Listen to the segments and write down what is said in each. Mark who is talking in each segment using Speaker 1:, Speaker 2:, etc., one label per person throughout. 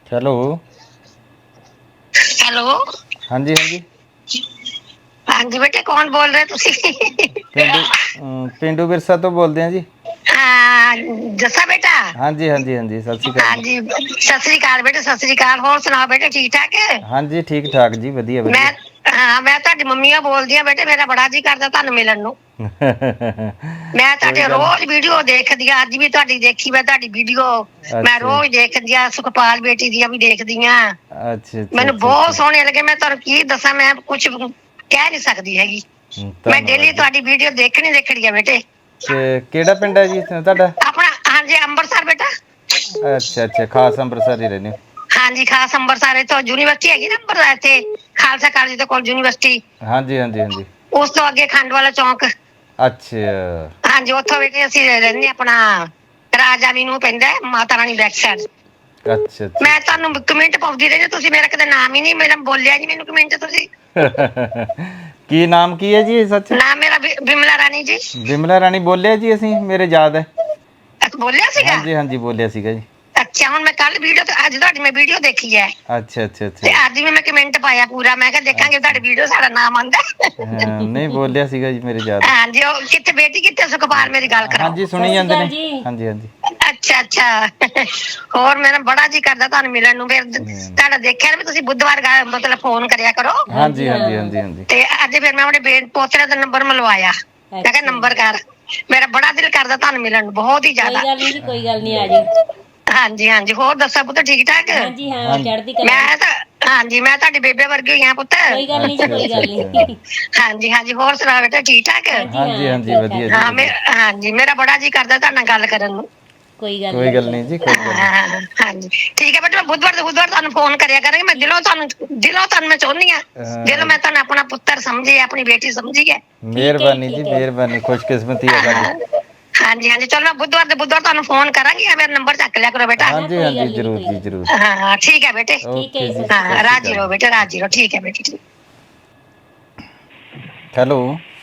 Speaker 1: Hello.
Speaker 2: Hello.
Speaker 1: ਹਾਂਜੀ ਹਾਂਜੀ।
Speaker 2: ਹਾਂਜੀ ਬੇਟੇ, ਕੌਣ ਬੋਲ ਰਹੇ ਤੁਸੀਂ?
Speaker 1: ਪਿੰਡੂ ਵਿਰਸਾ ਤੋਂ ਬੋਲਦੇ ਹਾਂ ਜੀ।
Speaker 2: ਹਾਂ, ਜੱਸਾ ਬੇਟਾ।
Speaker 1: ਹਾਂਜੀ ਹਾਂਜੀ ਹਾਂਜੀ, ਸਤਿ ਸ਼੍ਰੀ ਅਕਾਲ ਜੀ।
Speaker 2: ਹਾਂਜੀ, ਸਤਿ ਸ੍ਰੀ ਅਕਾਲ ਬੇਟੇ, ਸਤਿ ਸ੍ਰੀ ਅਕਾਲ। ਹੋਰ ਸੁਣਾਓ ਬੇਟੇ, ਠੀਕ ਠਾਕ ਹੈ?
Speaker 1: ਹਾਂਜੀ, ਠੀਕ ਠਾਕ ਜੀ, ਵਧੀਆ ਵਧੀਆ।
Speaker 2: ਮੈਂ ਮੈਂ ਤੁਹਾਡੀ ਮੰਮੀ ਆ ਬੋਲਦੀ ਆ ਬੇਟੇ। ਮੇਰਾ ਬੜਾ ਜੀ ਕਰਦਾ ਤੁਹਾਨੂੰ ਮਿਲਣ ਨੂੰ। ਮੈਂ
Speaker 1: ਕੋਈ
Speaker 2: ਤੁਹਾਡੇ
Speaker 1: ਗੱਲ।
Speaker 2: ਰੋਜ਼ ਵੀਡੀਓ ਦੇਖਦੀ ਆ, ਅੱਜ ਵੀ ਤੁਹਾਡੀ ਦੇਖੀ ਮੈਂ ਤੁਹਾਡੀ ਵੀਡੀਓ। ਮੈਂ
Speaker 1: ਅੱਛਾ
Speaker 2: ਰੋਜ਼ ਦੇਖਦੀ ਆ, ਸੁਖਪਾਲ ਬੇਟੀ ਦੀਆਂ ਵੀ ਦੇਖਦੀ ਆ।
Speaker 1: ਅੱਛਾ ਅੱਛਾ
Speaker 2: ਮੈਨੂੰ
Speaker 1: ਅੱਛਾ
Speaker 2: ਬਹੁਤ
Speaker 1: ਅੱਛਾ।
Speaker 2: ਸੋਹਣੇ ਲੱਗੇ। ਮੈਂ ਤੁਹਾਨੂੰ ਕੀ ਦੱਸਾਂ, ਮੈਂ ਕੁਛ ਕਹਿ ਨੀ ਸਕਦੀ ਹੈਗੀ। ਮੈਂ
Speaker 1: ਧੰਨਵਾਦ
Speaker 2: ਡੇਲੀ
Speaker 1: ਜੀ।
Speaker 2: ਤੁਹਾਡੀ ਵੀਡੀਓ ਦੇਖਣੀ ਆ ਬੇਟੇ।
Speaker 1: ਕਿਹੜਾ ਪਿੰਡ ਹੈ ਜੀ ਤੁਹਾਡਾ?
Speaker 2: ਆਪਣਾ ਹਾਂਜੀ, ਅੰਮ੍ਰਿਤਸਰ ਬੇਟਾ।
Speaker 1: ਅੱਛਾ ਅੱਛਾ, ਖਾਸ ਅੰਮ੍ਰਿਤਸਰ ਹੀ ਰਹਿੰਦੇ ਹੋ।
Speaker 2: ਹਾਂਜੀ, ਖਾਸ ਅੰਬਰਸਰ। ਇੱਥੋਂ ਯੂਨੀਵਰਸਿਟੀ ਹੈਗੀ ਨਾ ਅੰਬਰਸਰ, ਇੱਥੇ ਖਾਲਸਾ ਕਾਲਜ ਦੇ ਕੋਲ ਯੂਨੀਵਰਸਿਟੀ।
Speaker 1: ਹਾਂਜੀ ਹਾਂਜੀ ਹਾਂਜੀ।
Speaker 2: ਉਸ ਤੋਂ ਅੱਗੇ ਖੰਡ ਵਾਲਾ ਚੌਂਕ।
Speaker 1: ਅੱਛਾ।
Speaker 2: ਹਾਂਜੀ, ਉੱਥੋਂ ਬੇਟੇ ਅਸੀਂ ਰਹਿੰਦੇ ਆਪਣਾ ਰਾਜਾਨੀ ਨੂੰ ਪੈਂਦਾ, ਮਾਤਾ ਰਾਣੀ ਬੈਕ ਸਾਈਡ।
Speaker 1: ਅੱਛਾ ਅੱਛਾ
Speaker 2: ਮੈਂ
Speaker 1: ਅੱਛਾ
Speaker 2: ਤੁਹਾਨੂੰ ਕਮਿੰਟ ਪਾਉਂਦੀ ਰਹੀ, ਤੁਸੀਂ ਮੇਰਾ ਕਦੇ ਨਾਮ ਹੀ ਨੀ ਮੇਰਾ ਬੋਲਿਆ ਨੀ ਮੈਨੂੰ ਕਮਿੰਟ ਤੁਸੀਂ।
Speaker 1: ਕੀ ਨਾਮ ਕੀ ਹੈ ਜੀ ਸੱਚ?
Speaker 2: ਨਾਮ ਮੇਰਾ ਬਿਮਲਾ ਰਾਣੀ ਜੀ।
Speaker 1: ਬਿਮਲਾ ਰਾਣੀ ਬੋਲਿਆ ਜੀ ਅਸੀਂ, ਮੇਰੇ ਯਾਦ ਹੈ।
Speaker 2: ਬੋਲਿਆ ਸੀਗਾ।
Speaker 1: ਹਾਂਜੀ ਹਾਂਜੀ, ਬੋਲਿਆ ਸੀਗਾ ਜੀ।
Speaker 2: ਅੱਛਾ, ਹੁਣ ਮੈਂ ਕੱਲ ਵੀਡੀਓ ਤੇ ਅੱਜ ਤੁਹਾਡੀ ਮੈਂ ਵੀਡੀਓ ਦੇਖੀ ਹੈ।
Speaker 1: ਅੱਛਾ ਅੱਛਾ
Speaker 2: ਤੇ
Speaker 1: ਅੱਛਾ।
Speaker 2: ਅੱਜ ਵੀ ਮੈਂ ਕਮੈਂਟ ਪਾਇਆ ਪੂਰਾ। ਮੈਂ ਕਿਹਾ ਦੇਖਾਂਗੇ
Speaker 1: ਅੱਛਾ
Speaker 2: ਤੁਹਾਡੀ ਵੀਡੀਓ ਸਾਡਾ ਨਾਮ ਆਉਂਦਾ।
Speaker 1: ਹਾਂ, ਨਹੀਂ ਬੋਲਿਆ ਸੀਗਾ ਜੀ, ਮੇਰੇ ਯਾਦ ਹੈ।
Speaker 2: ਹਾਂਜੀ, ਉਹ ਕਿੱਥੇ ਬੇਟੀ ਕਿੱਥੇ ਸੁਖਪਾਲ, ਮੇਰੀ ਗੱਲ ਕਰਾਓ।
Speaker 1: ਹਾਂਜੀ, ਸੁਣੀ ਜਾਂਦੇ ਨੇ। ਹਾਂਜੀ ਹਾਂਜੀ।
Speaker 2: ਅੱਛਾ ਅੱਛਾ। ਹੋਰ ਮੇਰਾ ਬੜਾ ਜੀ ਕਰਦਾ ਤੁਹਾਨੂੰ ਮਿਲਣ ਨੂੰ। ਫਿਰ ਤੁਹਾਡਾ ਦੇਖਿਆ ਨਾ ਵੀ ਤੁਸੀਂ ਬੁੱਧਵਾਰ ਮਤਲਬ ਫੋਨ ਕਰਿਆ ਕਰੋ।
Speaker 1: ਹਾਂਜੀ ਹਾਂਜੀ ਹਾਂਜੀ ਹਾਂਜੀ।
Speaker 2: ਤੇ ਅੱਜ ਫਿਰ ਮੈਂ ਆਪਣੇ ਪੋਤਰੇ ਦਾ ਨੰਬਰ ਮਲਵਾਇਆ। ਮੈਂ ਕਿਹਾ ਨੰਬਰ ਕਰ। ਮੇਰਾ ਬੜਾ ਦਿਲ ਕਰਦਾ ਤੁਹਾਨੂੰ ਮਿਲਣ ਨੂੰ, ਬਹੁਤ ਹੀ ਜ਼ਿਆਦਾ।
Speaker 3: ਕੋਈ ਗੱਲ ਨਹੀਂ ਜੀ, ਕੋਈ ਗੱਲ ਨਹੀਂ, ਆ ਜਿਓ।
Speaker 2: ਹਾਂਜੀ ਹਾਂਜੀ, ਹੋਰ ਦੱਸੋ ਪੁੱਤ, ਠੀਕ ਠਾਕ?
Speaker 3: ਹਾਂਜੀ ਹਾਂ,
Speaker 1: ਹਾਂਜੀ
Speaker 3: ਚੜ੍ਹਦੀ ਕਲਾ।
Speaker 2: ਮੈਂ ਤਾਂ ਹਾਂਜੀ, ਮੈਂ ਤੁਹਾਡੀ ਬੇਬੇ ਵਰਗੀ ਹੋਈ ਆ ਪੁੱਤ।
Speaker 3: ਕੋਈ ਗੱਲ ਨਹੀਂ ਜੀ,
Speaker 1: ਅੱਛਾ
Speaker 3: ਕੋਈ
Speaker 1: ਅੱਛਾ
Speaker 3: ਗੱਲ
Speaker 1: ਅੱਛਾ।
Speaker 3: ਨਹੀਂ।
Speaker 2: ਹਾਂਜੀ ਹਾਂਜੀ, ਹੋਰ ਸੁਣਾ ਬੇਟਾ, ਠੀਕ ਠਾਕ?
Speaker 3: ਹਾਂਜੀ
Speaker 1: ਹਾਂਜੀ
Speaker 3: ਹਾਂ,
Speaker 1: ਹਾਂਜੀ,
Speaker 3: ਠੀਕ ਠਾਕ
Speaker 1: ਵਧੀਆ ਜੀ
Speaker 3: ਜੀ।
Speaker 2: ਹਾਂ
Speaker 1: ਵਧੀਆ।
Speaker 2: ਹਾਂਜੀ, ਮੇਰਾ ਬੜਾ ਜੀ ਕਰਦਾ ਤੁਹਾਡੇ ਨਾਲ ਗੱਲ ਕਰਨ ਨੂੰ।
Speaker 1: ਕੋਈ ਗੱਲ ਨਹੀਂ ਜੀ, ਕੋਈ ਗੱਲ ਨਹੀਂ।
Speaker 2: ਹਾਂਜੀ, ਠੀਕ ਹੈ ਬੇਟਾ। ਮੈਂ ਬੁੱਧਵਾਰ ਦੇ ਬੁੱਧਵਾਰ ਤੁਹਾਨੂੰ ਫੋਨ ਕਰਿਆ ਕਰਾਂਗੀ। ਮੈਂ ਦਿਲੋਂ ਤੁਹਾਨੂੰ ਮੈਂ ਚਾਹੁੰਦੀ ਆ। ਦਿਲੋਂ ਮੈਂ ਤੁਹਾਨੂੰ ਆਪਣਾ ਪੁੱਤਰ ਸਮਝੀ, ਆਪਣੀ ਬੇਟੀ ਸਮਝੀ ਹੈ।
Speaker 3: ਠੀਕ ਹੈ ਜੀ,
Speaker 1: ਮਿਹਰਬਾਨੀ ਜੀ,
Speaker 3: ਠੀਕ ਹੈ।
Speaker 1: ਮਿਹਰਬਾਨੀ, ਖੁਸ਼ਕਿਸਮਤੀ ਹੈ ਸਾਡੀ।
Speaker 2: ਹਾਂਜੀ ਹਾਂਜੀ, ਚਲੋ ਮੈਂ ਬੁੱਧਵਾਰ ਦੇ ਬੁੱਧਵਾਰ ਤੁਹਾਨੂੰ ਫੋਨ ਕਰਾਂਗੀ। ਮੇਰਾ ਨੰਬਰ ਚੱਕ ਲਿਆ ਕਰੋ ਬੇਟਾ।
Speaker 3: ਨਾ
Speaker 1: ਹਾਂਜੀ
Speaker 3: ਕੋਈ
Speaker 1: ਹਾਂਜੀ,
Speaker 3: ਗੱਲ ਨਹੀਂ ਜੀ,
Speaker 1: ਜ਼ਰੂਰ
Speaker 3: ਕੋਈ
Speaker 1: ਜੀ
Speaker 3: ਗੱਲ
Speaker 1: ਜ਼ਰੂਰ।
Speaker 3: ਨਹੀਂ।
Speaker 2: ਹਾਂ ਠੀਕ ਹੈ ਬੇਟੇ।
Speaker 3: ਠੀਕ ਹੈ
Speaker 1: ਓਕੇ
Speaker 3: ਜੀ,
Speaker 1: ਜੀ,
Speaker 3: ਸਤਿ ਸ਼੍ਰੀ
Speaker 1: ਸਤਿ
Speaker 2: ਹਾਂ,
Speaker 1: ਸ਼੍ਰੀ
Speaker 2: ਰਾਜੀ
Speaker 1: ਅਕਾਲ
Speaker 2: ਰਹੋ
Speaker 1: ਜੀ।
Speaker 2: ਬੇਟੇ, ਰਾਜੀ ਰਹੋ। ਠੀਕ ਹੈ ਬੇਟੇ, ਠੀਕ।
Speaker 1: ਹੈਲੋ।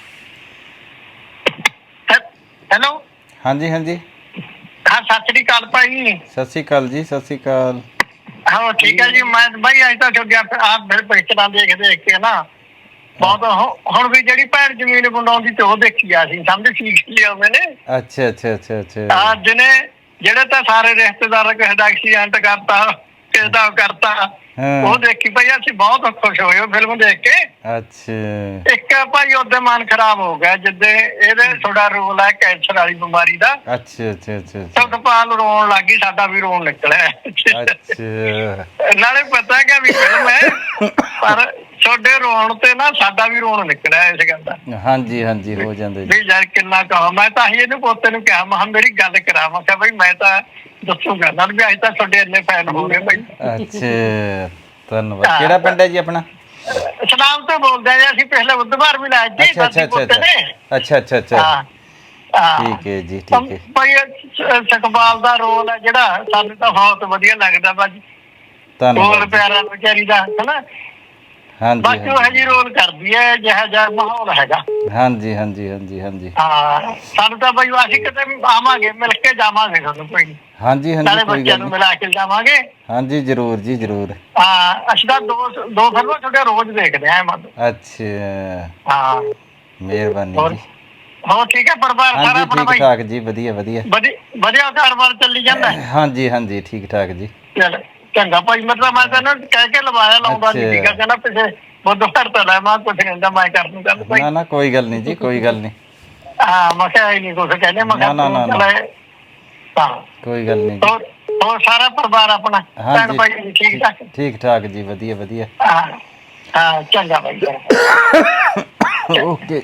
Speaker 2: ਹੈਲੋ।
Speaker 1: ਹਾਂਜੀ ਹਾਂਜੀ।
Speaker 2: ਹਾਂ, ਸਤਿ ਸ੍ਰੀ ਅਕਾਲ ਭਾਈ।
Speaker 1: ਸਤਿ ਸ਼੍ਰੀ ਅਕਾਲ ਜੀ, ਸਤਿ ਸ਼੍ਰੀ ਅਕਾਲ।
Speaker 2: ਹਾਂ ਠੀਕ ਹੈ ਜੀ। ਮੈਂ ਬਾਈ ਅੱਜ ਤਾਂ ਛੱਡਿਆ ਆਪ ਮੇਰੇ ਪਿਕਚਰਾਂ ਦੇਖ ਕੇ ਨਾ ਬਹੁਤ। ਹੁਣ ਵੀ ਜਿਹੜੀ ਭੈਣ ਜ਼ਮੀਨ ਬਣਾਉਂਦੀ ਤੇ ਉਹ ਦੇਖੀ ਆ ਸੀ, ਸਮਝ ਠੀਕ ਲਿਆ ਮੈਨੇ।
Speaker 1: ਅੱਛਾ ਅੱਛਾ ਅੱਛਾ ਅੱਛਾ।
Speaker 2: ਅੱਜ ਨੇ ਜਿਹੜੇ ਤਾਂ ਸਾਰੇ ਰਿਸ਼ਤੇਦਾਰ ਕਿਸੇ ਦਾ ਐਕਸੀਡੈਂਟ ਕਰਤਾ, ਕਿਸੇ ਦਾ ਕਰਤਾ, ਉਹ
Speaker 1: ਹਾਂ।
Speaker 2: ਦੇਖੀ ਭਾਈ। ਅਸੀਂ ਬਹੁਤ ਖੁਸ਼ ਹੋਏ ਉਹ ਫਿਲਮ ਦੇਖ ਕੇ।
Speaker 1: ਅੱਛਾ
Speaker 2: ਇੱਕ ਭਾਈ ਉਹਦੇ ਮਨ ਖਰਾਬ ਹੋ ਗਿਆ ਜਿੱਦੇ ਇਹਦੇ ਥੋੜਾ ਰੋਲ ਹੈ ਕੈਂਸਰ ਵਾਲੀ ਬਿਮਾਰੀ ਦਾ।
Speaker 1: ਅੱਛਾ ਅੱਛਾ ਅੱਛਾ ਅੱਛਾ।
Speaker 2: ਸੁਖਪਾਲ ਰੋਣ ਲੱਗ ਗਈ, ਸਾਡਾ ਵੀ ਰੋਣ ਨਿਕਲਿਆ।
Speaker 1: ਅੱਛਾ।
Speaker 2: ਨਾਲੇ ਪਤਾ ਕਿ ਵੀ ਫਿਲਮ ਹੈ, ਪਰ ਤੁਹਾਡੇ ਰੋਣ ਤੇ ਨਾ ਸਾਡਾ ਵੀ ਰੋਣ ਨਿਕਲਿਆ ਇਸ ਗੱਲ ਦਾ।
Speaker 1: ਹਾਂਜੀ ਹਾਂਜੀ, ਹੋ ਜਾਂਦਾ ਜੀ।
Speaker 2: ਵੀ ਯਾਰ ਕਿੰਨਾ ਕਹਾਂ। ਮੈਂ ਤਾਂ ਹੀ ਇਹਨੂੰ ਪੋਤੇ ਨੂੰ ਕਿਹਾ, ਮੈਂ ਮੇਰੀ ਗੱਲ ਕਰਾ। ਮੈਂ ਕਿਹਾ ਬਈ ਮੈਂ ਤਾਂ ਦੱਸੂਗਾ ਨਾਲ ਵੀ ਅੱਜ ਤਾਂ ਤੁਹਾਡੇ ਇੰਨੇ ਫੈਨ ਹੋ ਗਏ ਬਈ।
Speaker 1: ਅੱਛਾ, ਧੰਨਵਾਦ। ਕਿਹੜਾ ਪਿੰਡ ਹੈ ਜੀ ਆਪਣਾ?
Speaker 2: ਸਨਾਮ ਤੋਂ ਬੋਲਦੇ ਆ ਜੀ ਅਸੀਂ। ਪਿਛਲੇ ਬੁੱਧਵਾਰ ਵੀ ਲਾਇਆ ਸੀ
Speaker 1: ਅੱਛਾ ਅੱਛਾ
Speaker 2: ਦਾਦੀ
Speaker 1: ਅੱਛਾ
Speaker 2: ਪੋਤੇ
Speaker 1: ਅੱਛਾ
Speaker 2: ਨੇ।
Speaker 1: ਅੱਛਾ ਅੱਛਾ ਅੱਛਾ।
Speaker 2: ਹਾਂ ਹਾਂ,
Speaker 1: ਠੀਕ ਹੈ ਜੀ, ਠੀਕ ਹੈ।
Speaker 2: ਭਾਈ ਸੁਖਪਾਲ ਦਾ ਰੋਲ ਹੈ ਜਿਹੜਾ, ਸਾਨੂੰ ਤਾਂ ਬਹੁਤ ਵਧੀਆ ਲੱਗਦਾ ਭਾਜੀ। ਰੋਲ
Speaker 1: ਧੰਨਵਾਦ ਜੀ।
Speaker 2: ਪਿਆਰਾ ਵਿਚਾਰੀ ਦਾ, ਹਨਾ।
Speaker 1: ਹਾਂਜੀ
Speaker 2: ਬਾਕੀ ਉਹ
Speaker 1: ਹਾਂਜੀ
Speaker 2: ਇਹੋ ਜਿਹੀ ਰੋਲ ਕਰਦੀ ਹੈ ਜਿਹੋ ਜਿਹਾ ਮਾਹੌਲ ਹੈਗਾ।
Speaker 1: ਹਾਂਜੀ ਹਾਂਜੀ ਹਾਂਜੀ ਹਾਂਜੀ।
Speaker 2: ਹਾਂ, ਸਾਨੂੰ ਤਾਂ ਬਈ ਅਸੀਂ ਕਿਤੇ ਆਵਾਂਗੇ, ਮਿਲ ਕੇ ਜਾਵਾਂਗੇ ਤੁਹਾਨੂੰ ਕੋਈ ਨੀ।
Speaker 1: ਹਾਂਜੀ ਹਾਂਜੀ,
Speaker 2: ਨਾਲੇ
Speaker 1: ਕੋਈ
Speaker 2: ਬੱਚਿਆਂ
Speaker 1: ਗੱਲ
Speaker 2: ਨੂੰ
Speaker 1: ਨਹੀਂ।
Speaker 2: ਮਿਲਾ ਕੇ ਜਾਵਾਂਗੇ।
Speaker 1: ਹਾਂਜੀ, ਜ਼ਰੂਰ ਜੀ ਜ਼ਰੂਰ।
Speaker 2: ਹਾਂ, ਅਸੀਂ ਤਾਂ ਦੋ ਫਿਲਮਾਂ ਤੁਹਾਡੇ ਰੋਜ਼ ਦੇਖਦੇ ਆ ਮਤਲਬ।
Speaker 1: ਅੱਛਾ,
Speaker 2: ਹਾਂ,
Speaker 1: ਮਿਹਰਬਾਨੀ
Speaker 2: ਹੋਰ
Speaker 1: ਜੀ।
Speaker 2: ਹੋਰ ਠੀਕ ਹੈ ਪਰਿਵਾਰ ਸਾਰਾ
Speaker 1: ਹਾਂਜੀ,
Speaker 2: ਆਪਣਾ
Speaker 1: ਠੀਕ
Speaker 2: ਭਾਈ?
Speaker 1: ਠਾਕ ਜੀ, ਵਧੀਆ ਵਧੀਆ।
Speaker 2: ਵਧੀਆ ਘਰ-ਬਾਰ ਚੱਲੀ ਜਾਂਦਾ?
Speaker 1: ਹਾਂਜੀ ਹਾਂਜੀ, ਠੀਕ ਠਾਕ ਜੀ।
Speaker 2: ਚੱਲ ਚੰਗਾ ਭਾਈ। ਮਤਲਬ ਮੈਂ ਤੈਨੂੰ ਕਹਿ ਕੇ ਲਵਾਇਆ, ਲਾਉਂਦਾ ਨੀ ਸੀਗਾ।
Speaker 1: ਅੱਛਾ।
Speaker 2: ਕਹਿੰਦਾ ਪਿੱਛੇ ਬੁੱਧਵਾਰ ਤਾਂ ਲੈ, ਮੈਂ ਕੁਛ ਨੀ ਹੁੰਦਾ, ਮੈਂ ਕਰ ਦੂੰ ਗੱਲ ਭਾਈ।
Speaker 1: ਨਾ ਨਾ, ਕੋਈ ਗੱਲ ਨਹੀਂ ਜੀ, ਕੋਈ ਗੱਲ ਨਹੀਂ।
Speaker 2: ਹਾਂ, ਮੈਂ ਕਿਹਾ ਇਹ ਨੀ ਕੁਛ ਕਹਿੰਦੇ। ਮੈਂ ਕਿਹਾ
Speaker 1: ਨਾ ਨਾ
Speaker 2: ਤੂੰ
Speaker 1: ਨਾ ਨਾ,
Speaker 2: ਚੱਲ। ਹਾਂ,
Speaker 1: ਕੋਈ ਗੱਲ ਨਹੀਂ ਜੀ।
Speaker 2: ਹੋਰ ਸਾਰਾ ਪਰਿਵਾਰ ਆਪਣਾ ਭੈਣ
Speaker 1: ਹਾਂਜੀ,
Speaker 2: ਭਾਈ ਠੀਕ ਠਾਕ?
Speaker 1: ਠੀਕ ਠਾਕ ਜੀ, ਵਧੀਆ ਵਧੀਆ।
Speaker 2: ਹਾਂ ਹਾਂ, ਚੰਗਾ ਭਾਈ ਚੰਗਾ।
Speaker 1: ਓਕੇ।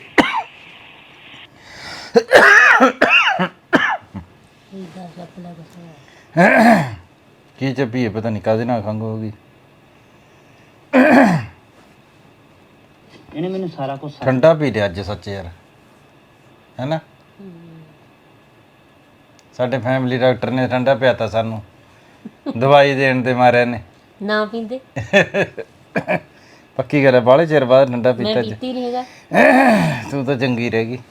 Speaker 1: ਕੀ ਚੱਪੀਏ, ਪਤਾ ਨਹੀਂ ਕਾਹਦੇ ਨਾਲ ਖੰਘ ਹੋ ਗਈ।
Speaker 3: ਇਹਨੇ ਮੈਨੂੰ ਸਾਰਾ ਕੁਝ
Speaker 1: ਠੰਡਾ ਪੀ ਲਿਆ ਅੱਜ ਸੱਚ ਯਾਰ, ਹੈ ਨਾ। ਸਾਡੇ ਫੈਮਿਲੀ ਡਾਕਟਰ ਨੇ ਠੰਡਾ ਪਿਆਤਾ ਸਾਨੂੰ, ਦਵਾਈ ਦੇਣ ਦੇ ਮਾਰਿਆਂ ਨੇ।
Speaker 3: ਨਾ ਪੀਂਦੇ।
Speaker 1: ਪੱਕੀ ਗੱਲ ਹੈ, ਬਾਹਲੇ ਚਿਰ ਬਾਅਦ ਠੰਡਾ
Speaker 3: ਮੈਂ
Speaker 1: ਪੀਤਾ ਅੱਜ।
Speaker 3: ਪੀਤੀ ਨਹੀਂ ਹੈਗਾ।
Speaker 1: ਤੂੰ ਤਾਂ ਚੰਗੀ ਰਹਿ ਗਈ।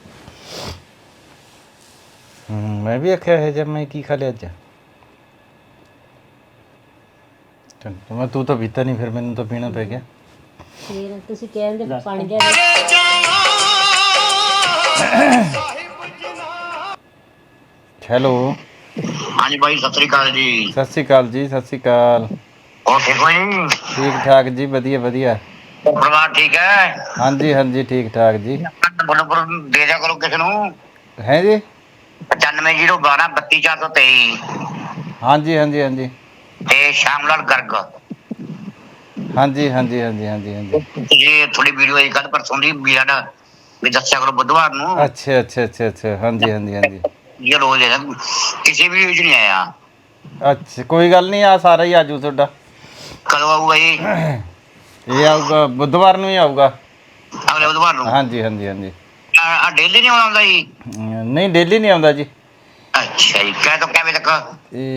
Speaker 1: ਮੈਂ ਵੀ ਆਖਿਆ ਇਹ ਜਦ ਮੈਂ ਕੀ ਖਾ ਲਿਆ ਅੱਜ। ਮੈਂ ਤੂੰ ਤਾਂ ਪੀਤਾ ਨਹੀਂ, ਫਿਰ ਮੈਨੂੰ ਤਾਂ ਪੀਣਾ ਪੈ ਗਿਆ।
Speaker 3: ਫਿਰ ਤੁਸੀਂ ਕਹਿੰਦੇ ਪਾਣੀ ਦੇ
Speaker 1: ਹੈਲੋ।
Speaker 2: ਹਾਂਜੀ ਬਾਈ, ਸਤਿ ਸ੍ਰੀ ਅਕਾਲ ਜੀ।
Speaker 1: ਸਤਿ ਸ਼੍ਰੀ ਅਕਾਲ ਜੀ, ਸਤਿ ਸ਼੍ਰੀ ਅਕਾਲ।
Speaker 2: ਹੋਰ ਠੀਕ ਹੋ ਜੀ?
Speaker 1: ਠੀਕ ਠਾਕ ਜੀ, ਵਧੀਆ ਵਧੀਆ।
Speaker 2: ਪਰਿਵਾਰ ਠੀਕ ਹੈ?
Speaker 1: ਹਾਂਜੀ ਹਾਂਜੀ, ਠੀਕ ਠਾਕ ਜੀ।
Speaker 2: ਨੰਬਰ ਦੇ ਦਿਆ ਕਰੋ ਕਿਸੇ ਨੂੰ।
Speaker 1: ਹੈ ਜੀ।
Speaker 2: 9501 32423
Speaker 1: ਹਾਂਜੀ ਹਾਂਜੀ ਹਾਂਜੀ
Speaker 2: ਤੇ ਸ਼ਾਮ ਲਾਲ ਗਰਗ।
Speaker 1: ਹਾਂਜੀ ਹਾਂਜੀ ਹਾਂਜੀ ਹਾਂਜੀ ਹਾਂਜੀ।
Speaker 2: ਤੁਸੀਂ ਥੋੜੀ ਵੀਡੀਓ ਆਈ ਕੱਲ ਪਰਸੋਂ ਦੀ ਵੀਰਾਂ ਦਾ ਵੀ ਦੱਸਿਆ ਕਰੋ ਬੁੱਧਵਾਰ ਨੂੰ।
Speaker 1: ਅੱਛਾ ਅੱਛਾ ਅੱਛਾ ਅੱਛਾ, ਹਾਂਜੀ ਹਾਂਜੀ ਹਾਂਜੀ।
Speaker 2: ਇਹ ਰੋਜ਼ ਹੈ, ਕਿਸੇ ਵੀ ਵਿੱਚ ਨਹੀਂ ਆਇਆ।
Speaker 1: ਅੱਛਾ, ਕੋਈ ਗੱਲ ਨਹੀਂ, ਆ ਸਾਰਾ ਹੀ ਆਜੂ ਤੁਹਾਡਾ।
Speaker 2: ਕਦੋਂ ਆਊਗਾ ਜੀ?
Speaker 1: ਇਹ ਆਊਗਾ ਬੁੱਧਵਾਰ ਨੂੰ ਹੀ ਆਊਗਾ।
Speaker 2: ਅਗਲੇ ਬੁੱਧਵਾਰ ਨੂੰ?
Speaker 1: ਹਾਂਜੀ ਹਾਂਜੀ ਹਾਂਜੀ।
Speaker 2: ਆ ਡੇਲੀ ਨਹੀਂ ਆਉਂਦਾ ਜੀ?
Speaker 1: ਨਹੀਂ, ਡੇਲੀ ਨਹੀਂ ਆਉਂਦਾ ਜੀ।
Speaker 2: ਅੱਛਾ ਜੀ, ਕਹਿ ਤੋਂ ਕਿੰਨੇ ਵਜੇ ਤੱਕ?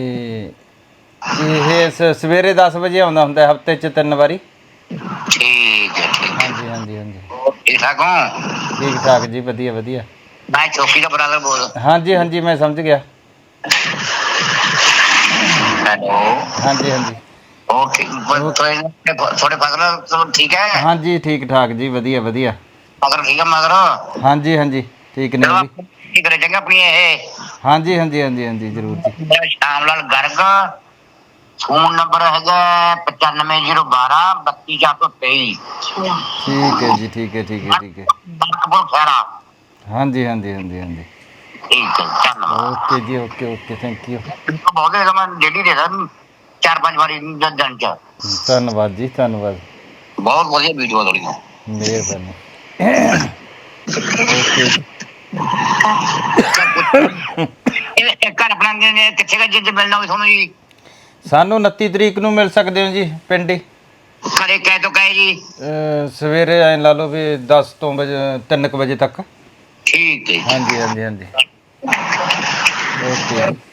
Speaker 1: ਇਹ ਸਵੇਰੇ 10 ਵਜੇ ਆਉਂਦਾ ਹੁੰਦਾ, ਹਫਤੇ 'ਚ 3 ਵਾਰੀ।
Speaker 2: ਠੀਕ ਹੈ ਠੀਕ ਹੈ।
Speaker 1: ਹਾਂਜੀ ਹਾਂਜੀ ਹਾਂਜੀ।
Speaker 2: ਠੀਕ ਠਾਕ ਹੋ?
Speaker 1: ਠੀਕ ਠਾਕ ਜੀ, ਵਧੀਆ ਵਧੀਆ।
Speaker 2: ਮੈਂ ਚੌਕੀ ਦਾ ਬਰਾਦਰ ਬੋਲ।
Speaker 1: ਹਾਂਜੀ ਹਾਂਜੀ, ਮੈਂ ਸਮਝ ਗਿਆ।
Speaker 2: ਹੈਲੋ।
Speaker 1: ਹਾਂਜੀ ਹਾਂਜੀ।
Speaker 2: ਓਕੇ। ਤੁਹਾਡੇ ਫਸਲ ਚਲੋ ਠੀਕ ਹੈ?
Speaker 1: ਹਾਂਜੀ, ਠੀਕ ਠਾਕ ਜੀ, ਵਧੀਆ ਵਧੀਆ।
Speaker 2: ਫਸਲ ਠੀਕ ਹੈ ਮਗਰ?
Speaker 1: ਹਾਂਜੀ ਹਾਂਜੀ, ਠੀਕ ਨੇ ਉਹ ਵੀ।
Speaker 2: ਕੀ ਕਰੇ ਚੰਗਾ ਆਪਣੀ ਇਹ?
Speaker 1: ਹਾਂਜੀ ਹਾਂਜੀ ਹਾਂਜੀ ਹਾਂਜੀ, ਜ਼ਰੂਰ ਜੀ।
Speaker 2: ਮੇਰਾ ਸ਼ਾਮ ਲਾਲ ਗਰਗ, ਫੋਨ ਨੰਬਰ ਹੈਗਾ 9501 32423।
Speaker 1: ਠੀਕ ਹੈ ਜੀ, ਠੀਕ ਹੈ ਠੀਕ ਹੈ ਠੀਕ ਹੈ।
Speaker 2: ਬਰਕਪੁਰ ਖੈਰਾ।
Speaker 1: ਹਾਂਜੀ ਹਾਂਜੀ ਹਾਂਜੀ ਹਾਂਜੀ।
Speaker 2: ਠੀਕ ਹੈ, ਧੰਨਵਾਦ।
Speaker 1: ਓਕੇ ਜੀ, ਓਕੇ ਓਕੇ, ਥੈਂਕ ਯੂ।
Speaker 2: ਬਹੁਤ ਦੇਗਾ, ਮੈਂ ਡੇਲੀ ਦੇਦਾ 4-5 ਵਾਰੀ ਦਿਨ ਚ।
Speaker 1: ਧੰਨਵਾਦ ਜੀ, ਧੰਨਵਾਦ।
Speaker 2: ਬਹੁਤ ਵਧੀਆ ਵੀਡੀਓ ਤੁਹਾਡੀਆਂ।
Speaker 1: ਮਿਹਰਬਾਨੀ। ਓਕੇ ਜੀ।
Speaker 2: ਇਹ ਘਰ ਆਪਣਾ ਕਿੱਥੇ ਗਾ, ਜਿੱਦ ਮਿਲਣਾ ਹੋਵੇ ਤੁਹਾਨੂੰ ਜੀ?
Speaker 1: ਸਾਨੂੰ 29 ਤਰੀਕ ਨੂੰ ਮਿਲ ਸਕਦੇ ਹੋ ਜੀ, ਪਿੰਡ ਹੀ।
Speaker 2: ਘਰੇ ਕਹਿ ਤੋਂ ਕਹੇ ਜੀ?
Speaker 1: ਸਵੇਰੇ ਐਂ ਲਾ ਲਓ ਵੀ 10 ਤੋਂ 3 ਵਜੇ ਤੱਕ।
Speaker 2: ਠੀਕ ਹੈ।
Speaker 1: ਹਾਂਜੀ ਹਾਂਜੀ ਹਾਂਜੀ। ਓਕੇ ਜੀ।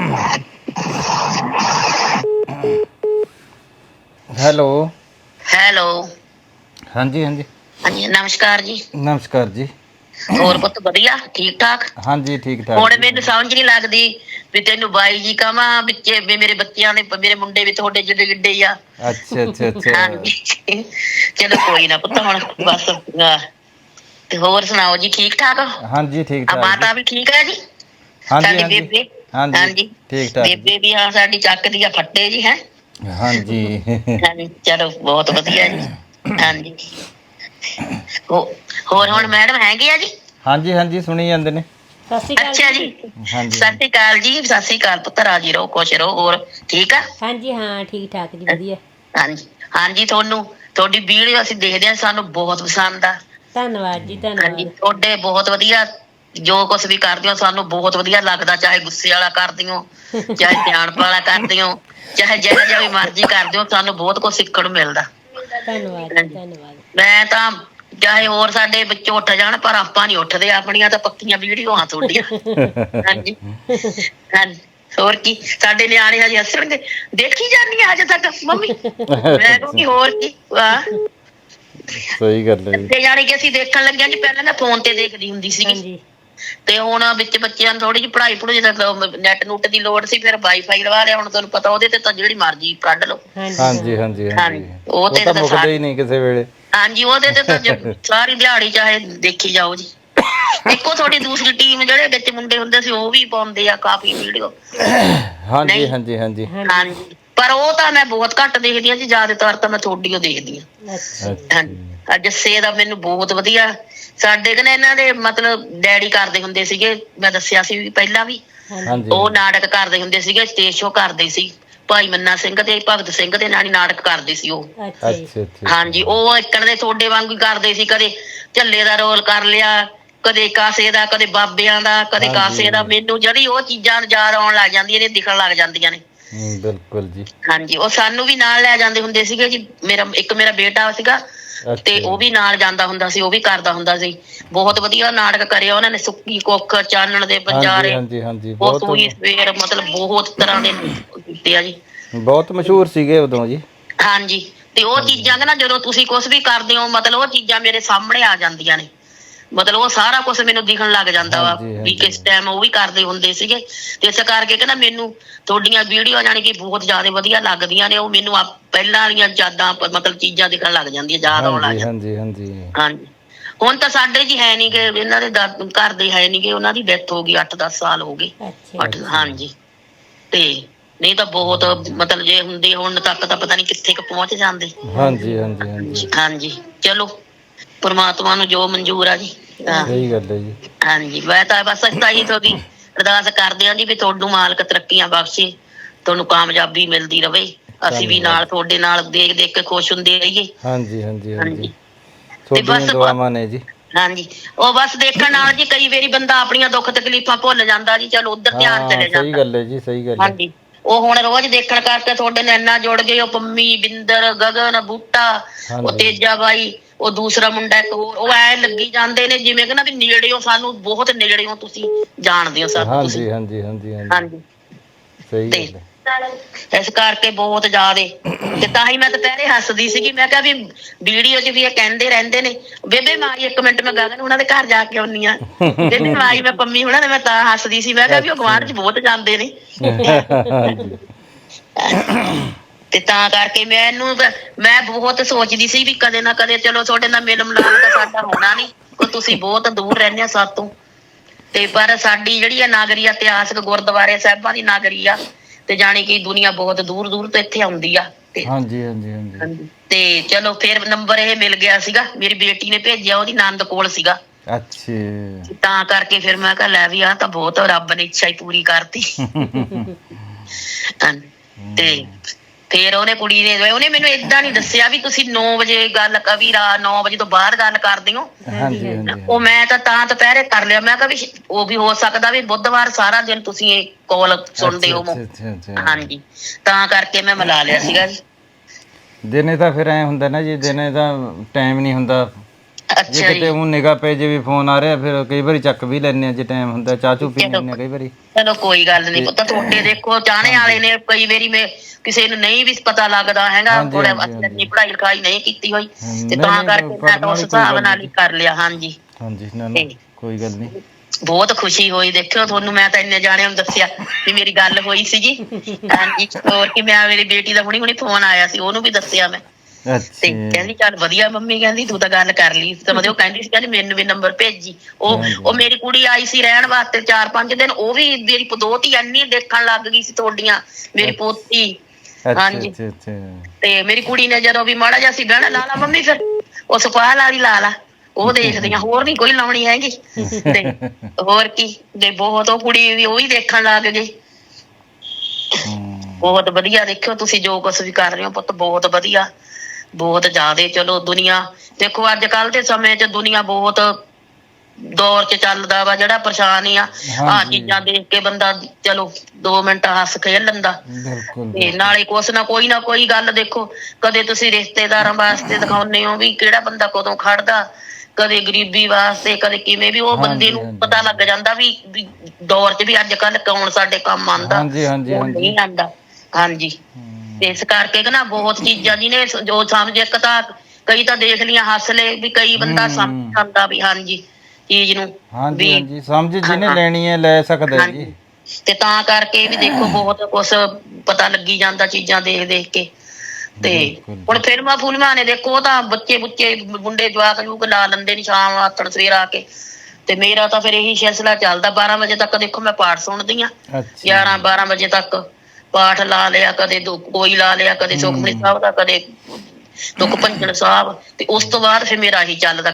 Speaker 1: ਹੈਲੋ।
Speaker 2: ਹੈਲੋ।
Speaker 1: ਹਾਂਜੀ ਹਾਂਜੀ।
Speaker 2: ਹਾਂਜੀ, ਨਮਸਕਾਰ ਜੀ।
Speaker 1: ਨਮਸਕਾਰ ਜੀ।
Speaker 2: ਹੋਰ ਪੁੱਤ ਵਧੀਆ, ਠੀਕ ਠਾਕ?
Speaker 1: ਹਾਂਜੀ, ਠੀਕ ਠਾਕ
Speaker 2: ਹੁਣ
Speaker 1: ਜੀ।
Speaker 2: ਮੈਨੂੰ ਸਮਝ ਨਹੀਂ ਲੱਗਦੀ ਵੀ ਤੈਨੂੰ ਬਾਈ ਜੀ ਕਵਾਂ, ਵਿੱਚੇ ਵੀ ਮੇਰੇ ਬੱਚਿਆਂ ਦੇ, ਮੇਰੇ ਮੁੰਡੇ ਵੀ ਤੁਹਾਡੇ ਜਿੱਡੇ ਜਿੱਡੇ ਹੀ ਆ।
Speaker 1: ਅੱਛਾ ਅੱਛਾ ਅੱਛਾ।
Speaker 2: ਹਾਂਜੀ, ਚਲੋ ਕੋਈ ਨਾ ਪੁੱਤ, ਹੁਣ ਬਸ। ਤੇ ਹੋਰ ਸੁਣਾਓ ਜੀ, ਠੀਕ ਠਾਕ?
Speaker 1: ਹਾਂਜੀ, ਠੀਕ
Speaker 2: ਆ
Speaker 1: ਠਾਕ ਜੀ।
Speaker 2: ਮਾਤਾ ਵੀ ਠੀਕ ਹੈ ਜੀ?
Speaker 1: ਹਾਂਜੀ
Speaker 2: ਸਾਡੀ
Speaker 1: ਹਾਂਜੀ
Speaker 2: ਬੇਬੇ?
Speaker 1: ਹਾਂਜੀ,
Speaker 2: ਹਾਂਜੀ,
Speaker 1: ਠੀਕ ਠਾਕ ਜੀ।
Speaker 2: ਬੇਬੇ ਵੀ ਹਾਂ ਸਾਡੀ ਚੱਕਦੀ ਆ ਫੱਟੇ ਜੀ, ਹੈ।
Speaker 1: ਹਾਂਜੀ।
Speaker 2: ਹਾਂਜੀ, ਚਲੋ ਬਹੁਤ ਵਧੀਆ ਜੀ। ਹਾਂਜੀ। ਹੋਰ ਹੁਣ ਮੈਡਮ ਹੈਗੇ ਆ ਜੀ?
Speaker 1: ਹਾਂਜੀ ਹਾਂਜੀ, ਸੁਣੀ ਜਾਂਦੇ ਨੇ।
Speaker 3: ਸਤਿ ਸ਼੍ਰੀ ਅਕਾਲ
Speaker 2: ਅੱਛਾ ਜੀ।
Speaker 3: ਜੀ।
Speaker 1: ਹਾਂਜੀ
Speaker 2: ਸਤਿ
Speaker 1: ਹਾਂਜੀ।
Speaker 2: ਸ਼੍ਰੀ ਅਕਾਲ ਜੀ, ਸਤਿ ਸ਼੍ਰੀ ਅਕਾਲ ਪੁੱਤ, ਰਾਜੀ ਰਹੋ, ਖੁਸ਼ ਰਹੋ। ਹੋਰ ਠੀਕ ਆ?
Speaker 3: ਹਾਂਜੀ ਹਾਂ, ਠੀਕ ਠਾਕ ਜੀ, ਵਧੀਆ।
Speaker 2: ਹਾਂਜੀ ਹਾਂਜੀ, ਤੁਹਾਡੀ ਵੀਡੀਓ ਅਸੀਂ ਦੇਖਦੇ ਹਾਂ, ਸਾਨੂੰ ਬਹੁਤ ਪਸੰਦ ਆ।
Speaker 3: ਧੰਨਵਾਦ ਜੀ,
Speaker 2: ਹਾਂਜੀ,
Speaker 3: ਧੰਨਵਾਦ।
Speaker 2: ਤੁਹਾਡੇ ਬਹੁਤ ਵਧੀਆ, ਜੋ ਕੁਛ ਵੀ ਕਰਦੇ ਹੋ ਸਾਨੂੰ ਬਹੁਤ ਵਧੀਆ ਲੱਗਦਾ, ਚਾਹੇ ਗੁੱਸੇ ਵਾਲਾ ਕਰਦੇ ਹੋ, ਚਾਹੇ ਸਿਆਣਪ ਵਾਲਾ ਕਰਦੇ ਹੋ, ਚਾਹੇ ਜਿਹੋ ਜਿਹਾ ਵੀ ਮਰਜ਼ੀ ਕਰਦੇ ਹੋ, ਸਾਨੂੰ ਬਹੁਤ ਕੁਛ ਸਿੱਖਣ ਨੂੰ ਮਿਲਦਾ।
Speaker 3: ਧੰਨਵਾਦ ਜੀ,
Speaker 2: ਹਾਂਜੀ,
Speaker 3: ਧੰਨਵਾਦ।
Speaker 2: ਮੈਂ ਤਾਂ ਚਾਹੇ ਹੋਰ ਸਾਡੇ ਬੱਚੇ ਉੱਠ ਜਾਣ, ਪਰ ਆਪਾਂ ਨੀ ਉੱਠਦੇ, ਆਪਣੀਆਂ ਤਾਂ ਪੱਕੀਆਂ ਵੀਡੀਓਆਂ ਤੁਹਾਡੀਆਂ। ਹਾਂਜੀ ਹਾਂਜੀ। ਹੋਰ ਕੀ, ਸਾਡੇ ਨਿਆਣੇ ਹਜੇ ਹੱਸਣਗੇ, ਦੇਖੀ ਜਾਂਦੀ ਆ ਹਜੇ ਤੱਕ ਮੰਮੀ। ਮੈਂ ਕਹੂੰਗੀ ਹੋਰ ਕੀ, ਵਾਹ।
Speaker 1: ਸਹੀ ਗੱਲ ਹੈ ਜੀ।
Speaker 2: ਤੇ ਜਾਣੀ ਕਿ ਅਸੀਂ ਦੇਖਣ ਲੱਗਿਆ ਜੀ, ਪਹਿਲਾਂ ਮੈਂ ਫੋਨ ਤੇ ਦੇਖਦੀ ਹੁੰਦੀ ਸੀਗੀ।
Speaker 3: ਹਾਂਜੀ
Speaker 2: ਤੇ ਹੁਣ ਵਿੱਚ ਬੱਚਿਆਂ ਨੂੰ ਥੋੜੀ ਜਿਹੀ ਪੜ੍ਹਾਈ ਪੜੂਈ ਨੈਟ ਨੁੱਟ ਦੀ ਲੋੜ ਸੀ, ਫਿਰ ਵਾਈਫਾਈ ਲਵਾ ਲਿਆ। ਹੁਣ ਤੁਹਾਨੂੰ ਪਤਾ, ਉਹਦੇ ਤੇ ਤਾਂ ਜਿਹੜੀ ਮਰਜ਼ੀ ਕੱਢ ਲਓ।
Speaker 1: ਹਾਂਜੀ ਹਾਂਜੀ ਹਾਂਜੀ।
Speaker 2: ਉਹ
Speaker 1: ਉਹ
Speaker 2: ਤੇ
Speaker 1: ਤਾਂ ਮੁੱਕਦੇ ਹੀ ਨਹੀਂ ਕਿਸੇ ਵੇਲੇ।
Speaker 2: ਹਾਂਜੀ, ਉਹਦੇ ਤੇ ਤਾਂ ਸਾਰੀ ਦਿਹਾੜੀ ਚਾਹੇ ਦੇਖੀ ਜਾਓ ਜੀ। ਇੱਕੋ ਤੁਹਾਡੀ ਦੂਸਰੀ ਟੀਮ, ਜਿਹੜੇ ਵਿੱਚ ਮੁੰਡੇ ਹੁੰਦੇ ਸੀ, ਉਹ ਵੀ ਪਾਉਂਦੇ ਆ ਕਾਫੀ ਵੀਡੀਓ।
Speaker 1: ਹਾਂਜੀ
Speaker 2: ਨਹੀਂ,
Speaker 1: ਹਾਂਜੀ ਹਾਂਜੀ।
Speaker 2: ਹਾਂਜੀ, ਪਰ ਉਹ ਤਾਂ ਮੈਂ ਬਹੁਤ ਘੱਟ ਦੇਖਦੀ ਹਾਂ ਜੀ, ਜ਼ਿਆਦਾਤਰ ਤਾਂ ਮੈਂ ਤੁਹਾਡੀ ਓ ਦੇਖਦੀ ਹਾਂ।
Speaker 3: ਅੱਛਾ ਜੀ।
Speaker 2: ਹਾਂਜੀ, ਜੱਸੇ ਦਾ ਮੈਨੂੰ ਬਹੁਤ ਵਧੀਆ। ਸਾਡੇ ਕਨੇ ਇਹਨਾਂ ਦੇ ਮਤਲਬ ਡੈਡੀ ਕਰਦੇ ਹੁੰਦੇ ਸੀਗੇ, ਮੈਂ ਦੱਸਿਆ ਸੀ ਵੀ ਪਹਿਲਾਂ ਵੀ।
Speaker 3: ਹਾਂਜੀ
Speaker 1: ਹਾਂਜੀ
Speaker 2: ਉਹ
Speaker 1: ਹਾਂਜੀ।
Speaker 2: ਨਾਟਕ ਕਰਦੇ ਹੁੰਦੇ ਸੀਗੇ, ਸਟੇਜ ਸ਼ੋ ਕਰਦੇ ਸੀ। ਭਾਈ ਮੰਨਾ ਸਿੰਘ ਤੇ ਭਗਤ ਸਿੰਘ ਦੇ ਨਾਲ ਹੀ ਨਾਟਕ ਕਰਦੇ ਸੀ ਉਹ।
Speaker 3: ਅੱਛਾ ਜੀ।
Speaker 1: ਅੱਛਾ ਅੱਛਾ
Speaker 2: ਹਾਂਜੀ,
Speaker 1: ਅੱਛਾ।
Speaker 2: ਉਹ ਇੱਕਣ ਦੇ ਤੁਹਾਡੇ ਵਾਂਗੂ ਹੀ ਕਰਦੇ ਸੀ, ਕਦੇ ਝੱਲੇ ਦਾ ਰੋਲ ਕਰ ਲਿਆ, ਕਦੇ ਕਾਸੇ ਦਾ, ਕਦੇ ਬਾਬਿਆਂ ਦਾ, ਕਦੇ ਕਾਸੇ ਦਾ।
Speaker 1: ਹਾਂਜੀ।
Speaker 2: ਮੈਨੂੰ ਜਿਹੜੀ ਉਹ ਚੀਜ਼ਾਂ ਯਾਦ ਆਉਣ ਲੱਗ ਜਾਂਦੀਆਂ ਨੇ, ਦਿਖਣ ਲੱਗ ਜਾਂਦੀਆਂ ਨੇ।
Speaker 1: ਬਿਲਕੁਲ ਜੀ।
Speaker 2: ਹਾਂਜੀ, ਉਹ ਸਾਨੂੰ ਵੀ ਨਾਲ ਲੈ ਜਾਂਦੇ ਹੁੰਦੇ ਸੀਗੇ ਜੀ। ਮੇਰਾ ਬੇਟਾ ਸੀਗਾ, ਤੇ
Speaker 1: ਅੱਛਾ
Speaker 2: ਉਹ
Speaker 1: ਜੀ।
Speaker 2: ਵੀ ਨਾਲ ਜਾਂਦਾ ਹੁੰਦਾ ਸੀ, ਉਹ ਵੀ ਕਰਦਾ ਹੁੰਦਾ ਸੀ। ਬਹੁਤ ਵਧੀਆ ਨਾਟਕ ਕਰਿਆ ਉਹਨਾਂ ਨੇ, ਸੁੱਕੀ ਕੁੱਖ, ਚਾਨਣ ਦੇ
Speaker 1: ਹਾਂਜੀ
Speaker 2: ਬੰਜਾਰੇ,
Speaker 1: ਹਾਂਜੀ ਹਾਂਜੀ,
Speaker 2: ਉਹ
Speaker 1: ਬਹੁਤ
Speaker 2: ਸੂਈ ਸਵੇਰ, ਮਤਲਬ ਬਹੁਤ ਤਰ੍ਹਾਂ ਦੇ ਕੀਤੇ ਆ ਜੀ।
Speaker 1: ਬਹੁਤ ਮਸ਼ਹੂਰ ਸੀਗੇ ਉਦੋਂ ਜੀ।
Speaker 2: ਹਾਂਜੀ, ਤੇ ਉਹ
Speaker 1: ਹਾਂਜੀ
Speaker 2: ਚੀਜ਼ਾਂ ਦੇ ਨਾ, ਜਦੋਂ ਤੁਸੀਂ ਕੁਛ ਵੀ ਕਰਦੇ ਹੋ, ਮਤਲਬ ਉਹ ਚੀਜ਼ਾਂ ਮੇਰੇ ਸਾਹਮਣੇ ਆ ਜਾਂਦੀਆਂ ਨੇ। ਮਤਲਬ ਉਹ ਸਾਰਾ ਕੁਝ ਮੈਨੂੰ ਦਿਖਣ ਲੱਗ ਜਾਂਦਾ ਵਾ
Speaker 1: ਹਾਂਜੀ,
Speaker 2: ਵੀ
Speaker 1: ਹਾਂਜੀ।
Speaker 2: ਕਿਸ ਟਾਈਮ ਉਹ ਵੀ ਕਰਦੇ ਹੁੰਦੇ ਸੀਗੇ। ਤੇ ਇਸ ਕਰਕੇ ਕਹਿੰਦਾ ਮੈਨੂੰ ਤੁਹਾਡੀਆਂ ਵੀਡੀਓ ਜਾਣੀ ਕਿ ਬਹੁਤ ਜ਼ਿਆਦਾ ਵਧੀਆ ਲੱਗਦੀਆਂ ਨੇ। ਉਹ ਮੈਨੂੰ ਪਹਿਲਾਂ ਵਾਲੀਆਂ ਯਾਦਾਂ ਮਤਲਬ ਚੀਜ਼ਾਂ ਦਿਖਣ ਲੱਗ ਜਾਂਦੀਆਂ, ਯਾਦ ਆਉਣ ਲੱਗ
Speaker 1: ਹਾਂਜੀ
Speaker 2: ਜਾਂਦੀਆਂ।
Speaker 1: ਹਾਂਜੀ ਹਾਂਜੀ
Speaker 2: ਹਾਂਜੀ ਹੁਣ ਤਾਂ ਸਾਡੇ ਜੀ ਹੈ ਨੀ ਗੇ, ਇਹਨਾਂ ਦੇ ਘਰ ਦੇ ਹੈ ਨੀ ਗੇ, ਉਹਨਾਂ ਦੀ ਡੈਥ ਹੋ ਗਈ 8-10 ਸਾਲ ਹੋ ਗਏ।
Speaker 3: ਅੱਛਾ
Speaker 2: ਹਾਂਜੀ ਤੇ ਨਹੀਂ ਤਾਂ ਬਹੁਤ ਮਤਲਬ ਜੇ ਹੁੰਦੇ ਹੁਣ ਤੱਕ ਤਾਂ ਪਤਾ ਨੀ ਕਿੱਥੇ ਕੁ ਪਹੁੰਚ ਜਾਂਦੇ।
Speaker 1: ਹਾਂਜੀ ਹਾਂਜੀ ਹਾਂਜੀ
Speaker 2: ਹਾਂਜੀ ਚਲੋ ਪਰਮਾਤਮਾ ਨੂੰ ਜੋ ਮਨਜ਼ੂਰ ਆ ਜੀ। ਹਾਂ
Speaker 1: ਸਹੀ ਗੱਲ ਹੈ ਜੀ।
Speaker 2: ਹਾਂਜੀ ਮੈਂ ਤਾਂ ਬਸ ਅਸੀਂ ਤਾਂ ਹੀ ਤੁਹਾਡੀ ਅਰਦਾਸ ਕਰਦੇ ਹਾਂ ਜੀ ਵੀ ਤੁਹਾਨੂੰ ਮਾਲਕ ਤਰੱਕੀਆਂ ਬਖਸ਼ੇ, ਤੁਹਾਨੂੰ ਕਾਮਯਾਬੀ ਮਿਲਦੀ ਰਵੇ। ਅਸੀਂ ਵੀ ਨਾਲ
Speaker 1: ਧੰਨਵਾਦ।
Speaker 2: ਤੁਹਾਡੇ ਨਾਲ ਦੇਖ ਦੇਖ ਕੇ ਖੁਸ਼ ਹੁੰਦੇ ਰਹੀਏ।
Speaker 1: ਹਾਂਜੀ ਹਾਂਜੀ ਹਾਂਜੀ
Speaker 2: ਤੇ
Speaker 1: ਤੁਹਾਡੀਆਂ
Speaker 2: ਬਸ
Speaker 1: ਦੁਆਵਾਂ ਨੇ ਜੀ।
Speaker 2: ਹਾਂਜੀ ਉਹ ਬਸ ਦੇਖਣ ਨਾਲ ਜੀ ਕਈ ਵਾਰੀ ਬੰਦਾ ਆਪਣੀਆਂ ਦੁੱਖ ਤਕਲੀਫਾਂ ਭੁੱਲ ਜਾਂਦਾ ਜੀ, ਚਲੋ ਉੱਧਰ ਧਿਆਨ
Speaker 1: ਹਾਂ
Speaker 2: ਚਲੇ
Speaker 1: ਸਹੀ
Speaker 2: ਜਾਂਦਾ।
Speaker 1: ਗੱਲ ਹੈ ਜੀ, ਸਹੀ ਗੱਲ ਹੈ।
Speaker 2: ਹਾਂਜੀ ਉਹ ਹੁਣ ਰੋਜ਼ ਦੇਖਣ ਕਰਕੇ ਤੁਹਾਡੇ ਨਾਲ ਇੰਨਾ ਜੁੜ ਗਏ। ਉਹ ਪੰਮੀ, ਬਿੰਦਰ, ਗਗਨ, ਬੂਟਾ, ਉਹ
Speaker 1: ਹਾਂਜੀ
Speaker 2: ਤੇਜਾ ਬਾਈ, ਉਹ ਦੂਸਰਾ ਮੁੰਡਾ ਇੱਕ ਹੋਰ, ਉਹ ਐ ਲੱਗੀ ਜਾਂਦੇ ਨੇ ਜਿਵੇਂ ਕਹਿੰਦਾ ਵੀ ਨੇੜਿਓ ਸਾਨੂੰ ਬਹੁਤ ਨੇੜਿਓ ਤੁਸੀਂ ਜਾਣਦੇ ਹੋ ਸਾਨੂੰ ਤੁਸੀਂ।
Speaker 1: ਹਾਂਜੀ ਹਾਂਜੀ ਹਾਂਜੀ ਹਾਂਜੀ
Speaker 2: ਹਾਂਜੀ
Speaker 1: ਸਹੀ
Speaker 2: ਤੇ
Speaker 1: ਗੱਲ ਹੈ।
Speaker 2: ਇਸ ਕਰਕੇ ਬਹੁਤ ਜ਼ਿਆਦੇ ਤੇ ਤਾਂ ਹੀ ਮੈਂ ਦੁਪਹਿਰੇ ਹੱਸਦੀ ਸੀਗੀ। ਮੈਂ ਕਿਹਾ ਵੀ ਵੀਡੀਓ 'ਚ ਵੀ ਇਹ ਕਹਿੰਦੇ ਰਹਿੰਦੇ ਨੇ ਬੇਬੇ ਮਾਈ, ਇੱਕ ਮਿੰਟ ਮੈਂ ਗਗਨ ਉਹਨਾਂ ਦੇ ਘਰ ਜਾ ਕੇ ਆਉਣੀ ਆ। ਬੇਬੇ ਮਾਈ ਮੈਂ ਪੰਮੀ ਹੁਣਾਂ ਦੇ, ਮੈਂ ਤਾਂ ਹੱਸਦੀ ਸੀ। ਮੈਂ ਕਿਹਾ ਵੀ ਉਹ ਗੁਆਂਢ 'ਚ ਬਹੁਤ ਜਾਂਦੇ ਨੇ।
Speaker 1: ਹਾਂਜੀ
Speaker 2: ਤੇ ਤਾਂ ਕਰਕੇ ਮੈਂ ਬਹੁਤ ਸੋਚਦੀ ਸੀ ਵੀ ਕਦੇ ਨਾ ਕਦੇ ਚਲੋ ਤੁਹਾਡੇ ਨਾਲ ਮਿਲ ਮਿਲਾਪ ਤਾਂ ਸਾਡਾ ਹੋਣਾ ਨੀ, ਕਿ ਤੁਸੀਂ ਬਹੁਤ ਦੂਰ ਰਹਿੰਦੇ ਆ ਸਾਤੋਂ। ਤੇ ਪਰ ਸਾਡੀ ਜਿਹੜੀ ਆ ਨਾਗਰੀ ਇਤਿਹਾਸਕ ਗੁਰਦੁਆਰੇ ਸਾਹਿਬਾਂ ਦੀ ਨਾਗਰੀ ਆ, ਤੇ ਜਾਣੀ ਕਿ ਦੁਨੀਆ ਬਹੁਤ ਦੂਰ ਦੂਰ ਤੋਂ ਇੱਥੇ ਆਉਂਦੀ ਆ। ਤੇ
Speaker 1: ਹਾਂਜੀ ਹਾਂਜੀ ਹਾਂਜੀ
Speaker 2: ਤੇ ਚਲੋ ਫਿਰ ਨੰਬਰ ਇਹ ਮਿਲ ਗਿਆ ਸੀਗਾ, ਮੇਰੀ ਬੇਟੀ ਨੇ ਭੇਜਿਆ, ਉਹਦੀ ਨੰਦ ਕੋਲ ਸੀਗਾ।
Speaker 1: ਅੱਛਾ
Speaker 2: ਤਾਂ ਕਰਕੇ ਫਿਰ ਮੈਂ ਕਿਹਾ ਲੈ ਵੀ ਆ ਤਾਂ ਬਹੁਤ ਰੱਬ ਨੇ ਇੱਛਾ ਹੀ ਪੂਰੀ ਕਰਤੀ। ਤੇ ਫਿਰ ਉਹਨੇ ਕੁੜੀ ਨੇ ਉਹਨੇ ਮੈਨੂੰ ਏਦਾਂ ਨੀ ਦੱਸਿਆ ਵੀ ਤੁਸੀਂ 9 ਵਜੇ ਗੱਲ ਵੀ ਰਾਤ 9 ਵਜੇ ਤੋਂ ਬਾਅਦ ਗੱਲ ਕਰਦੇ ਹੋ।
Speaker 1: ਹਾਂਜੀ ਹਾਂਜੀ
Speaker 2: ਉਹ ਮੈਂ ਤਾਂ ਦੁਪਹਿਰੇ ਕਰ ਲਿਆ। ਮੈਂ ਕਿਹਾ ਵੀ ਉਹ ਵੀ ਹੋ ਸਕਦਾ ਵੀ ਬੁੱਧਵਾਰ ਸਾਰਾ ਦਿਨ ਤੁਸੀਂ ਇਹ ਕਾਲ ਸੁਣਦੇ
Speaker 1: ਅੱਛਾ
Speaker 2: ਹੋ।
Speaker 1: ਅੱਛਾ ਅੱਛਾ ਅੱਛਾ
Speaker 2: ਹਾਂਜੀ ਤਾਂ ਕਰਕੇ ਮੈਂ ਮਿਲਾ ਲਿਆ ਸੀਗਾ ਜੀ।
Speaker 1: ਦਿਨੇ ਤਾਂ ਫਿਰ ਐ ਹੁੰਦਾ ਨਾ ਜੀ, ਦਿਨੇ ਤਾਂ ਟਾਈਮ ਨਹੀਂ ਹੁੰਦਾ। ਜੇ
Speaker 2: ਅੱਛਾ
Speaker 1: ਕਿਤੇ
Speaker 2: ਜੀ
Speaker 1: ਉਹ ਨਿਗਾਹ ਪੈ ਜੇ ਵੀ ਫੋਨ ਆ ਰਿਹਾ, ਫਿਰ ਕਈ ਵਾਰੀ ਚੱਕ ਵੀ ਲੈਂਦੇ ਆ ਜੇ ਟਾਈਮ ਹੁੰਦਾ, ਚਾਹ ਚੂ ਪੀ
Speaker 2: ਚਲੋ
Speaker 1: ਲੈਂਦੇ ਆ ਕਈ ਵਾਰੀ।
Speaker 2: ਚਲੋ ਕੋਈ ਗੱਲ ਨੀ
Speaker 1: ਤੇ
Speaker 2: ਪੁੱਤ, ਤੁਹਾਡੇ ਦੇਖੋ ਚਾਹਣੇ
Speaker 1: ਹਾਂਜੀ
Speaker 2: ਵਾਲੇ ਨੇ ਕਈ ਵਾਰੀ ਮੈਂ ਕਿਸੇ ਨੂੰ ਨਹੀਂ ਵੀ ਪਤਾ ਲੱਗਦਾ ਹੈਗਾ,
Speaker 1: ਹਾਂਜੀ
Speaker 2: ਥੋੜਾ
Speaker 1: ਹਾਂਜੀ
Speaker 2: ਅਸੀਂ ਇੰਨੀ
Speaker 1: ਹਾਂਜੀ
Speaker 2: ਪੜ੍ਹਾਈ ਲਿਖਾਈ ਨਹੀਂ ਕੀਤੀ ਹੋਈ ਤੇ
Speaker 1: ਨਹੀਂ
Speaker 2: ਤਾਂ
Speaker 1: ਨਹੀਂ
Speaker 2: ਕਰਕੇ ਮੈਂ
Speaker 1: ਪੜ੍ਹਨ
Speaker 2: ਤਾਂ ਉਸ
Speaker 1: ਵਾਲੀ ਕੋਈ
Speaker 2: ਹਿਸਾਬ
Speaker 1: ਗੱਲ ਨਹੀਂ
Speaker 2: ਨਾਲ ਹੀ
Speaker 1: ਜੀ।
Speaker 2: ਕਰ ਲਿਆ। ਹਾਂਜੀ
Speaker 1: ਹਾਂਜੀ ਨਾ ਨਾ
Speaker 2: ਤੇ
Speaker 1: ਕੋਈ ਗੱਲ ਨਹੀਂ।
Speaker 2: ਬਹੁਤ ਖੁਸ਼ੀ ਹੋਈ ਦੇਖਿਓ ਤੁਹਾਨੂੰ, ਮੈਂ ਤਾਂ ਇੰਨੇ ਜਾਣਿਆਂ ਨੂੰ ਦੱਸਿਆ ਵੀ ਮੇਰੀ ਗੱਲ ਹੋਈ ਸੀਗੀ। ਹਾਂਜੀ ਹੋਰ ਕਿ ਮੈਂ ਮੇਰੀ ਬੇਟੀ ਦਾ ਹੁਣੀ ਫੋਨ ਆਇਆ ਸੀ, ਉਹਨੂੰ ਵੀ ਦੱਸਿਆ ਮੈਂ। ਤੇ
Speaker 1: ਅੱਛਾ
Speaker 2: ਕਹਿੰਦੀ ਚੱਲ ਵਧੀਆ ਮੰਮੀ, ਕਹਿੰਦੀ ਤੂੰ ਤਾਂ ਗੱਲ ਕਰ ਲਈ। ਤਾਂ ਮਤਲਬ ਉਹ ਕਹਿੰਦੀ ਸੀ ਕਹਿੰਦੀ ਮੈਨੂੰ ਵੀ ਨੰਬਰ ਭੇਜੀ।
Speaker 1: ਹਾਂਜੀ
Speaker 2: ਉਹ ਮੇਰੀ ਕੁੜੀ ਆਈ ਸੀ ਰਹਿਣ ਵਾਸਤੇ 4-5 ਦਿਨ, ਉਹ ਵੀ ਮੇਰੀ ਦੋਹਤੀ ਇੰਨੀ ਦੇਖਣ ਲੱਗ ਗਈ ਸੀ ਤੁਹਾਡੀਆਂ, ਮੇਰੀ ਪੋਤੀ।
Speaker 1: ਅੱਛਾ
Speaker 2: ਹਾਂਜੀ
Speaker 1: ਅੱਛਾ ਅੱਛਾ
Speaker 2: ਤੇ ਮੇਰੀ ਕੁੜੀ ਨੇ ਜਦੋਂ ਵੀ ਮਾੜਾ ਜਿਹਾ ਸੀ ਬਹਿਣਾ, ਲਾ ਲਾ ਮੰਮੀ ਫਿਰ ਉਹ ਸੁਪਾਲ ਵਾਲੀ ਲਾ ਲਾ, ਉਹ ਦੇਖਦੀਆਂ, ਹੋਰ ਨੀ ਕੋਈ ਲਾਉਣੀ ਹੈਗੀ। ਤੇ ਹੋਰ ਕੀ ਤੇ ਬਹੁਤ ਉਹ ਕੁੜੀ ਵੀ ਉਹੀ ਦੇਖਣ ਲੱਗ ਗਈ।
Speaker 1: ਹੂੰ
Speaker 2: ਬਹੁਤ ਵਧੀਆ ਦੇਖਿਓ ਤੁਸੀਂ ਜੋ ਕੁਛ ਵੀ ਕਰ ਰਹੇ ਹੋ ਪੁੱਤ, ਬਹੁਤ ਵਧੀਆ, ਬਹੁਤ ਜ਼ਿਆਦੇ। ਚਲੋ ਦੁਨੀਆ ਦੇਖੋ ਅੱਜ ਕੱਲ ਦੇ ਸਮੇਂ 'ਚ ਦੁਨੀਆ ਬਹੁਤ ਦੌਰ 'ਚ ਚੱਲਦਾ ਵਾ, ਜਿਹੜਾ ਪਰੇਸ਼ਾਨ ਹੀ ਆ ਆਹ
Speaker 1: ਹਾਂਜੀ
Speaker 2: ਚੀਜ਼ਾਂ ਦੇਖ ਕੇ ਬੰਦਾ ਚਲੋ 2 ਮਿੰਟ ਹੱਸ ਖੇਲ ਲੈਂਦਾ।
Speaker 1: ਬਿਲਕੁਲ
Speaker 2: ਤੇ
Speaker 1: ਬਿਲਕੁਲ
Speaker 2: ਨਾਲੇ ਕੁਛ ਨਾ ਕੋਈ ਗੱਲ ਦੇਖੋ, ਕਦੇ ਤੁਸੀਂ ਰਿਸ਼ਤੇਦਾਰਾਂ ਵਾਸਤੇ ਦਿਖਾਉਂਦੇ ਹੋ ਵੀ ਕਿਹੜਾ ਬੰਦਾ ਕਦੋਂ ਖੜਦਾ, ਕਦੇ ਗਰੀਬੀ ਵਾਸਤੇ, ਕਦੇ ਕਿਵੇਂ ਵੀ, ਉਹ ਬੰਦੇ
Speaker 1: ਹਾਂਜੀ
Speaker 2: ਨੂੰ
Speaker 1: ਹਾਂਜੀ
Speaker 2: ਪਤਾ ਲੱਗ
Speaker 1: ਹਾਂਜੀ
Speaker 2: ਜਾਂਦਾ ਵੀ ਦੌਰ 'ਚ ਵੀ ਅੱਜ ਕੱਲ ਕੌਣ ਸਾਡੇ ਕੰਮ ਆਉਂਦਾ,
Speaker 1: ਹਾਂਜੀ ਹਾਂਜੀ
Speaker 2: ਕੌਣ
Speaker 1: ਹਾਂਜੀ
Speaker 2: ਨਹੀਂ ਆਉਂਦਾ। ਹਾਂਜੀ ਤੇ ਇਸ ਕਰਕੇ ਨਾ ਬਹੁਤ ਚੀਜ਼ਾਂ ਜਿਹਨੇ ਜੋ ਸਮਝ, ਇੱਕ ਤਾਂ ਕਈ ਤਾਂ ਦੇਖ ਲਈਆਂ ਹੱਸ ਲਏ ਵੀ, ਕਈ ਬੰਦਾ ਸਮਝ
Speaker 1: ਹੂੰ
Speaker 2: ਆਉਂਦਾ ਵੀ ਹਾਂਜੀ ਚੀਜ਼ ਨੂੰ
Speaker 1: ਹਾਂਜੀ
Speaker 2: ਵੀ
Speaker 1: ਹਾਂਜੀ ਸਮਝ ਜਿਹਨੇ
Speaker 2: ਹਾਂ
Speaker 1: ਲੈਣੀ ਹੈ ਲੈ ਸਕਦਾ ਜੀ।
Speaker 2: ਹਾਂਜੀ ਤੇ ਤਾਂ ਕਰਕੇ ਵੀ ਦੇਖੋ ਬਹੁਤ ਕੁਛ ਪਤਾ ਲੱਗੀ ਜਾਂਦਾ ਚੀਜ਼ਾਂ ਦੇਖ ਦੇਖ ਕੇ। ਤੇ
Speaker 1: ਬਿਲਕੁਲ
Speaker 2: ਹੁਣ
Speaker 1: ਜੀ
Speaker 2: ਫਿਲਮਾਂ ਫੁਲਮਾਂ ਨੇ ਦੇਖੋ, ਉਹ ਤਾਂ ਬੱਚੇ ਬੁੱਚੇ ਮੁੰਡੇ ਜਵਾਕ ਜੂਕ ਲਾ ਲੈਂਦੇ ਨੇ ਸ਼ਾਮ ਆਥਣ ਸਵੇਰ ਆ ਕੇ। ਤੇ ਮੇਰਾ ਤਾਂ ਫਿਰ ਇਹੀ ਸਿਲਸਿਲਾ ਚੱਲਦਾ, 12 ਵਜੇ ਤੱਕ ਦੇਖੋ ਮੈਂ ਪਾਠ ਸੁਣਦੀ ਹਾਂ।
Speaker 1: ਅੱਛਾ
Speaker 2: 11-12 ਵਜੇ ਤੱਕ ਪਾਠ ਲਾ ਲਿਆ, ਕਦੇ ਕੋਈ ਲਾ ਲਿਆ, ਕਦੇ ਸੁਖਮਨੀ
Speaker 1: ਹੂੰ
Speaker 2: ਸਾਹਿਬ ਦਾ, ਕਦੇ ਦੁਖ ਭੰਜਨ ਸਾਹਿਬ, ਤੇ ਉਸ ਤੋਂ ਬਾਅਦ ਫਿਰ ਮੇਰਾ ਇਹੀ ਚੱਲਦਾ।